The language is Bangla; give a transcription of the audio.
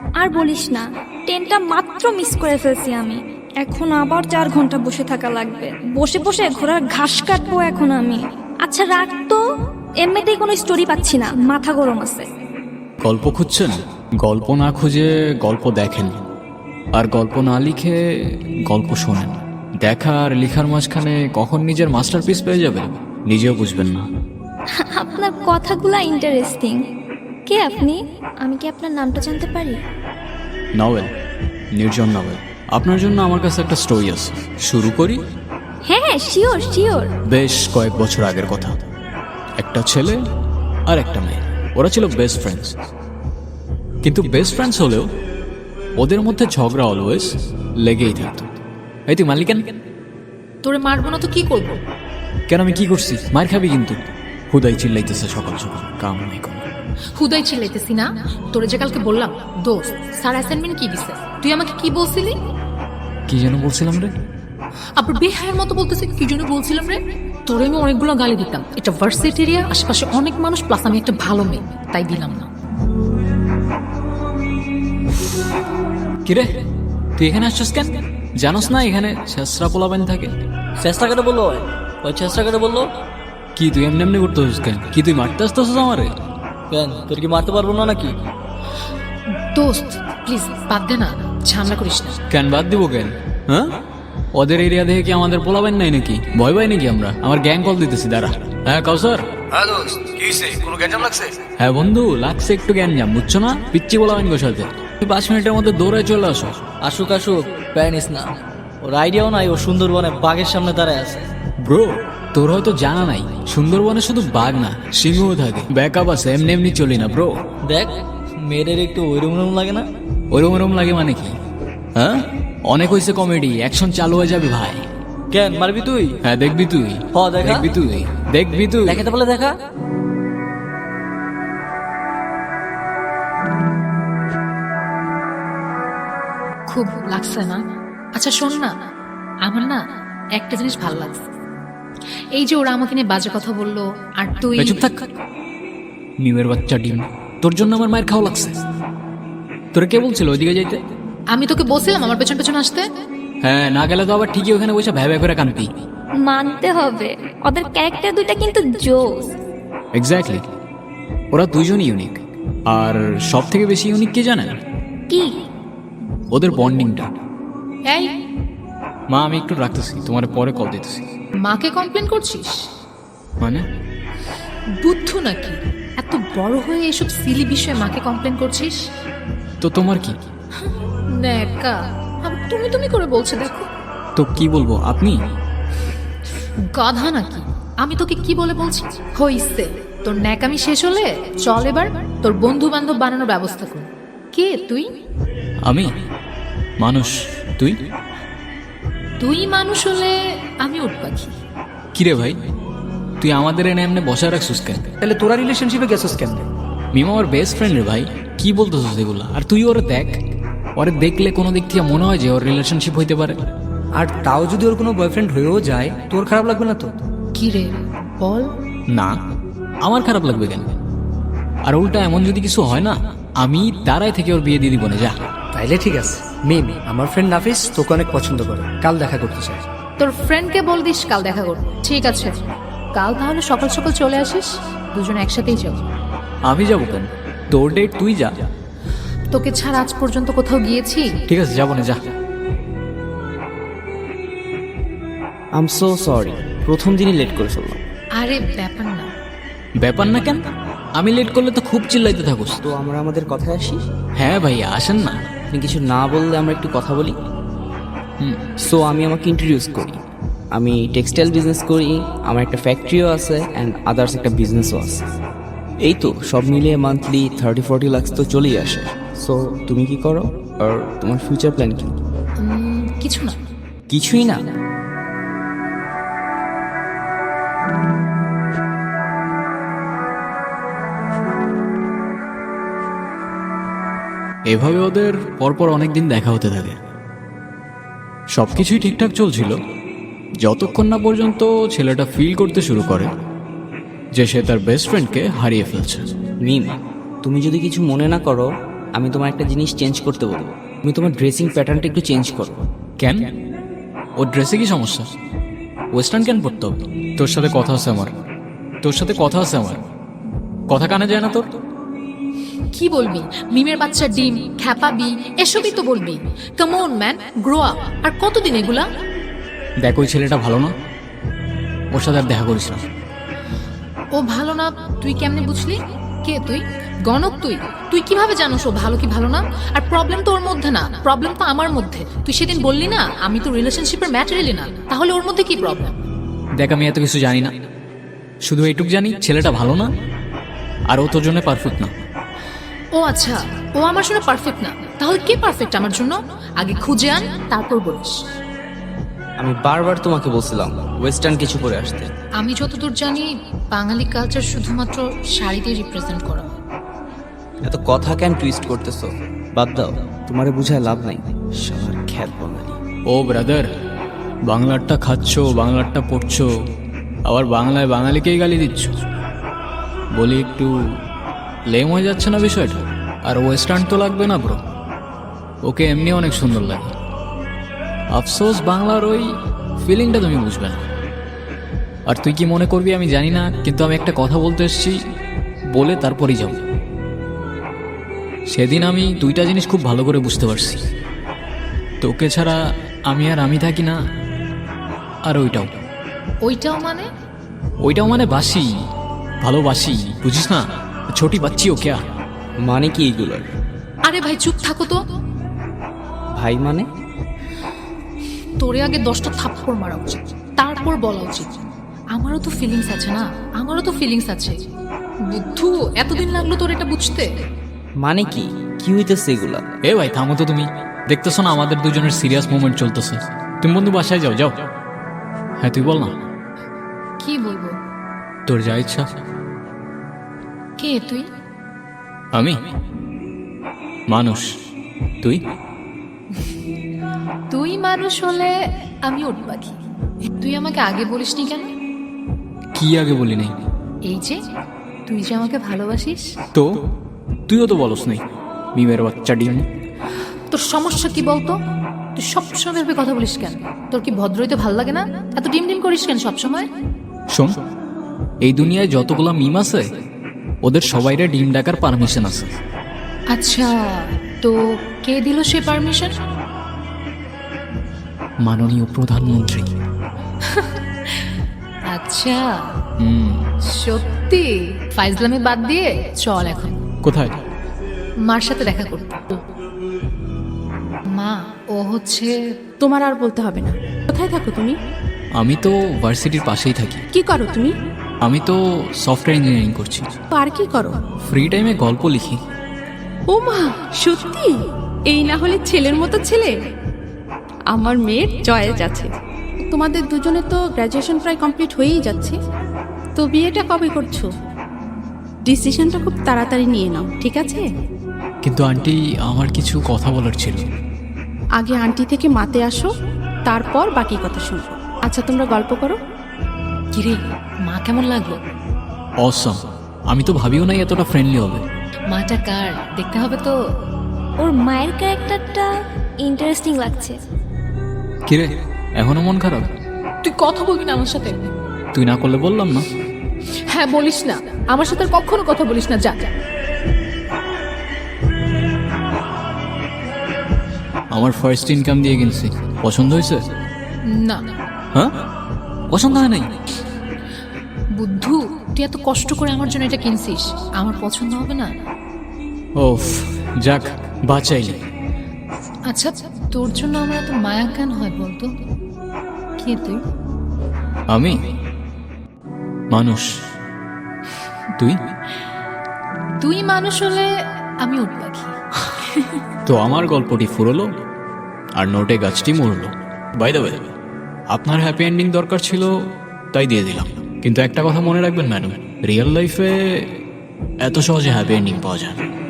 আর বলিস না, ট্রেনটা মাত্র মিস করে ফেলছি আমি। এখন আবার 4 ঘন্টা বসে থাকা লাগবে। বসে বসে ঘোড়ার ঘাস কাটবো এখন আমি। আচ্ছা রাখ তো, এমনিতেই কোনো স্টোরি পাচ্ছি না, মাথা গরম আছে। গল্প খুঁজছেন? গল্প না খুঁজে গল্প দেখেন, আর গল্প না লিখে গল্প শোনেন। দেখা আর লেখার মাঝখানে কখন নিজের মাস্টারপিস পেয়ে যাবেন নিজেও বুঝবেন না। আপনার কথাগুলা ইন্টারেস্টিং। কে আপনি? আমি কি আপনার নামটা জানতে পারি? নভেল, নির্জন নভেল। আপনার জন্য আমার কাছে একটা স্টোরি আছে, শুরু করি? হ্যাঁ হ্যাঁ, শিওর শিওর। বেশ কয়েক বছর আগের কথা। একটা ছেলে আর একটা মেয়ে, ওরা ছিল বেস্ট ফ্রেন্ডস। কিন্তু বেস্ট ফ্রেন্ডস হলেও ওদের মধ্যে ঝগড়া অলওয়েজ লেগেই থাকতো। এই তুই মালিক কেন? তোরে মারবো না তো কি করবো? কেন আমি কি করছি? মার খাবি কিন্তু। হুদাই চিল্লাইতেছে সকাল সকাল, কাম নাই কোনো। হুদাই চিল্লাইতেছি না? তোরে যে কালকে বললাম দোস্ত স্যার অ্যাসাইনমেন্ট কি দিছে, তুই আমাকে কি বলছিলি? কি যেন বলছিলাম রে? আবার বেহায়ের মতো বলতেছে কি জন্য বলছিলাম রে? তোরে আমি অনেকগুলো গালি দিতাম। এটা ভার্সিটি এরিয়া, আশেপাশে অনেক মানুষ, প্লাস আমি একটা ভালো মেয়ে, তাই দিলাম না। কিরে তুই এখানে আসছিস কেন? জানোস না এখানে ছেসরা পোলাবেন থাকে? চেষ্টা করে বললো, ওই চেষ্টা করে বললো। কি তুই এমনি এমনি করতেছিস কেন? কি তুই মারতে আসতেছিস আমারে? কেন, তোর কি মারতে পারবো না নাকি? দোস্ত প্লিজ বাদ দে না, ঝামেলা করিস না। কেন বাদ দিব কেন? হ্যাঁ, ওদের এরিয়া দেখে কি আমাদের পোলাবেন নাই নাকি? ভয় পাই নাকি আমরা? আমার গ্যাং কল দিতেছি, দাঁড়া। হ্যাঁ কাউসার। হ্যাঁ দোস্ত, কি হইছে? কোনো গ্যাঞ্জাম লাগছে? হ্যাঁ বন্ধু, লাগছে একটু গ্যাঞ্জাম, বুঝছো না? পিচ্ছি পোলাবেন গো সাথে। তুই 5 মিনিটের মধ্যে দৌড়ায় চলে আসো। আসুক আসুক, প্যানিস না। ওর আইডিয়াও নাই ও সুন্দরবনে বাঘের সামনে দাঁড়ায় আছে। ব্রো, তোর হয়তো জানা নাই, সুন্দরবনে শুধু বাঘ না, সিংহও থাকে। ব্যাকআপ আছে, এমনি এমনি চলি না ব্রো। দেখ, মেয়েদের একটু ওইরকম লাগে না? ওরম লাগে মানে কি? হ্যাঁ, অনেক হয়েছে কমেডি, অ্যাকশন চালু হয়ে যাবে ভাই। কেন মারবি তুই? হ্যাঁ দেখবি তুই। হ, দেখা। দেখবি তুই, দেখবি তুই। দেখাতে বলে দেখা। খুব লাগছে না? আচ্ছা শোন না, আমার না একটা জিনিস ভালো লাগছে। এই যে ওরা আমাকে নিয়ে বাজে কথা বললো, আর তুই চুপ থাক, মিমের বাচ্চা ডিম। তোর জন্য আমার মায়ের খাওয়া লাগছে। তোরা কে বলছিল ওইদিকে যাইতে? আমি তোকে বলছিলাম আমার পেছন পেছন আসতে। হ্যাঁ, না গেলে তো আবার ঠিকই ওখানে বসে ভ্যা ভ্যা করে কানতি। মানতে হবে, ওদের ক্যারেক্টার দুইটা কিন্তু জোস। এক্স্যাক্টলি, ওরা দুইজনই ইউনিক। আর সব থেকে বেশি ইউনিক কে জানেন? কি? ওদের বন্ডিংটা। এই মা, আমি একটু রাখতেছি, তোমার পরে কল দিতেছি। মাকে কমপ্লেন করছিস? মানে? বুদ্ধ নাকি? এত বড় হয়ে এসব সিলি বিষয়ে মাকে কমপ্লেন করছিস? তো তোমার কি? নেকা, আবার তুমি তুমি করে বলছে দেখো। তো কি বলবো, আপনি? গাধা নাকি? আমি তোকে কি বলে বলছি? হইছে, তোর ন্যাকামি শেষ হলে চল এবার তোর বন্ধু বান্ধব বানানোর ব্যবস্থা কর। কে তুই? আমি মানুষ, তুই? তুই মানুষ হলে আমি উট পাখি। কিরে ভাই, তুই আমাদের এনে এমনি বসায় রাখছিস কেন? তাহলে তোরা রিলেশনশিপে গেছিস কেন? মিম আমার বেস্ট ফ্রেন্ড রে ভাই, কি বলতেছিস এগুলা? আর তুই ওরে দেখ, ওরে দেখলে কোনো দিক থেকে মনে হয় যে ওর রিলেশনশিপ হইতে পারে। আর তাও যদি ওর কোনো বয়ফ্রেন্ড হয়েও যায়, তোর খারাপ লাগবে না তো? কি রে বল? না, আমার খারাপ লাগবে কেন? আর উল্টা এমন যদি কিছু হয় না, আমি দাঁড়ায় থেকে ওর বিয়ে দিয়ে দিব না, যা। তাইলে ঠিক আছে। মিম, আমার ফ্রেন্ড নাফিস তোকে অনেক পছন্দ করে, কাল দেখা করতে চাই। তোর ফ্রেন্ডকে বল দিস কাল দেখা কর। ঠিক আছে, কাল তাহলে সকাল সকাল চলে আসিস, দুজনে একসাথেই যাব। আমি যাবো কেন? তোর ডেট তুই যা। তোকে ছাড়া আজ পর্যন্ত কোথাও গিয়েছি? ঠিক আছে, যাবো না, যা। আম সো সরি, প্রথম দিনই লেট করে ফেললাম। আরে ব্যাপার না। ব্যাপার না কেন? আমি লেট করলে তো খুব চিল্লাইতে থাকুস। তো আমরা আমাদের কথায় আসি। হ্যাঁ ভাইয়া, আসেন না। আপনি কিছু না বললে আমরা একটু কথা বলি। সো আমি আমাকে ইন্ট্রোডিউস করি। আমি টেক্সটাইল বিজনেস করি, আমার একটা ফ্যাক্টরিও আছে অ্যান্ড আদার্স একটা বিজনেসও আছে। এই তো সব মিলিয়ে মান্থলি 30-40 লাখ তো চলেই আসে। সো তুমি কি করো আর তোমার ফিউচার প্ল্যান কি? কিছু না। কিছুই না? এভাবে ওদের পরপর অনেকদিন দেখা হতে থাকে। সবকিছুই ঠিকঠাক চলছিল, যতক্ষণ না পর্যন্ত ছেলেটা ফিল করতে শুরু করে যে সে তার বেস্ট ফ্রেন্ডকে হারিয়ে ফেলছে। মিম, তুমি যদি কিছু মনে না করো, আমি তোমার একটা জিনিস চেঞ্জ করতে বলবো। তুমি তোমার ড্রেসিং প্যাটার্নটা একটু চেঞ্জ করো। কেন? ওর ড্রেসে কি সমস্যা? ওয়েস্টার্ন কেন পড়তে হবে? তোর সাথে কথা আছে আমার, কথা কানে যায় না তোর? কি বলবি? মিমের বাচ্চা ডিম, খ্যাপাবি, এসবই তো বলবি। Come on man, grow up. আর কতদিন এগুলা? দেখ, ওই ছেলেটা ভালো না, ওর সাথে আর দেখা করিস না। ও ভালো না তুই কেমনে বুঝলি? কে তুই? গণক তুই? তুই কিভাবে জানোস ও ভালো কি ভালো না? আর প্রবলেম তো ওর মধ্যে না, প্রবলেম তো আমার মধ্যে। তুই সেদিন বললি না আমি তো রিলেশনশিপের ম্যাটেরিয়ালি না, তাহলে ওর মধ্যে কি প্রবলেম? দেখ, আমি এত কিছু জানি না, শুধু এইটুক জানি ছেলেটা ভালো না, আর ও তোর জন্য পারফেক্ট না। ও আচ্ছা, ও আমার জন্য পারফেক্ট না, তাহলে কে পারফেক্ট আমার জন্য? আগে খুঁজে আন, তারপর বলিস। আমি বারবার তোমাকে বলছিলাম ওয়েস্টার্ন কিছু পরে আসতে। আমি যতদূর জানি বাঙালি কালচার শুধুমাত্র শাড়ি দিয়ে রিপ্রেজেন্ট করা হয়। এত কথা কেন টুইস্ট করতেছো? বাদ দাও, তোমারে বুঝায় লাভ নাই। সবার খ্যাত বাঙালি। ও ব্রাদার, বাংলারটা খাচ্ছ, বাংলারটা পড়ছো, আবার বাংলায় বাঙালিকেই গালি দিচ্ছ। বলি একটু লেম হয়ে যাচ্ছে না বিষয়টা? আর ওয়েস্টার্ন তো লাগবে না ব্রো, ওকে এমনি অনেক সুন্দর লাগে। আফসোস বাংলার ওই ফিলিংটা তুমি বুঝবে না। আর তুই কি মনে করবি আমি জানি না, কিন্তু আমি একটা কথা বলতে এসেছি, বলে তারপরেই যাব। সেদিন আমি দুইটা জিনিস খুব ভালো করে বুঝতে পারছি, তোকে ছাড়া আমি আর আমি থাকি না, আর ওইটাও মানে বাসি, ভালোবাসি, বুঝিস না? ছোটি বাচ্চি ও ক্যা? মানে কি এগুলোর? আরে ভাই চুপ থাকো তো। ভাই মানে? তোরে আগে 10টা থাপ্পড় মারা উচিত, তারপর বলা উচিত। আমারও তো ফিলিংস আছে। বুদ্ধু, এতদিন লাগলো তোর এটা বুঝতে? মানে কি কি হইতেছে এগুলা? এ ভাই থামো তো, তুমি দেখতেছো না আমাদের দুজনের সিরিয়াস মোমেন্ট চলতেছে? তুমি বন্ধু বাসায় যাও। হ্যাঁ তুই বল না। কি বলবো? তোর যা ইচ্ছা। কে তুই? আমি মানুষ, তুই? তুই মানুষ হলে আমি উট পাখি। তুই আমাকে আগে বলিসনি কেন? কি আগে বলি নাই? এই যে তুই যে আমাকে ভালোবাসিস। তো তুইও তো বলস নাই, মিমের বাচ্চা ডিম। তোর সমস্যা কি বলতো? তুই সবসময় ভেবে কথা বলিস কেন? তোর কি ভদ্র হইতে ভাল লাগে না? এত ডিম ডিম করিস কেন সবসময়? শোন, এই দুনিয়ায় যতগুলা মিম আছে ওদের সবাইরে ডিম ডাকার পারমিশন আছে। আচ্ছা, তো কে দিল সে পারমিশন? মাননীয় প্রধানমন্ত্রী। আচ্ছা সত্যি? ফাইজলামি বাদ দিয়ে চল এখন। কোথায়? মার সাথে দেখা করতে। মা, ও হচ্ছে। তোমার আর বলতে হবে না। কোথায় থাকো তুমি? আমি তো ভার্সিটির পাশেই থাকি। কি করো তুমি? আমি তো সফটওয়্যার ইঞ্জিনিয়ারিং করছি। আর কি করো? ফ্রি টাইমে গল্প লিখি। ও মা, সত্যি? এই না হলে ছেলের মতো ছেলে। আমার মেয়ের চয়েস আছে। তোমাদের দুজনে তো গ্র্যাজুয়েশন প্রায় কমপ্লিট হয়েই যাচ্ছে, তো বিয়েটা কবে করছো? ডিসিশনটা খুব তাড়াতাড়ি নিয়ে নাও, ঠিক আছে? কিন্তু আন্টি, আমার কিছু কথা বলার ছিল। আগে আন্টি থেকে মাতে আসো, তারপর বাকি কথা শুনবো। আচ্ছা, তোমরা গল্প করো। কিরে, মা কেমন লাগলো? অসম। আমি তো ভাবিও নাই এতটা ফ্রেন্ডলি হবে। মাটা কার দেখতে হবে তো। ওর মায়ের ক্যারেক্টারটা ইন্টারেস্টিং লাগছে। কিরে, এখনো মন খারাপ? তুই কথা বলবি না আমার সাথে? তুই না করলে বললাম না। হ্যাঁ বলিস না, আমার সাথে আর কখনো কথা বলিস না, যা। আমার ফার্স্ট ইনকাম দিয়ে কিনছি, পছন্দ হয়েছে? না। হ্যাঁ, পছন্দ হয় নাই? বুদ্ধু, তুই এত কষ্ট করে আমার জন্য এটা কিনছিস, আমার পছন্দ হবে না? ওফ, যাক বাঁচাইলি। আচ্ছা, তোর জন্য আমার এত মায়া কেন হয় বলতো? কে তুই? আমি মানুষ, তুই মানুষ হলে আমি উট পাখি। তো আমার গল্পটি ফুরলো আর নোটে গাছটি মরলো। বাই দ্য ওয়ে, আপনার হ্যাপি এন্ডিং দরকার ছিল তাই দিয়ে দিলাম। কিন্তু একটা কথা মনে রাখবেন ম্যাডাম, রিয়েল লাইফে এত সহজে হ্যাপি এন্ডিং পাওয়া যায় না।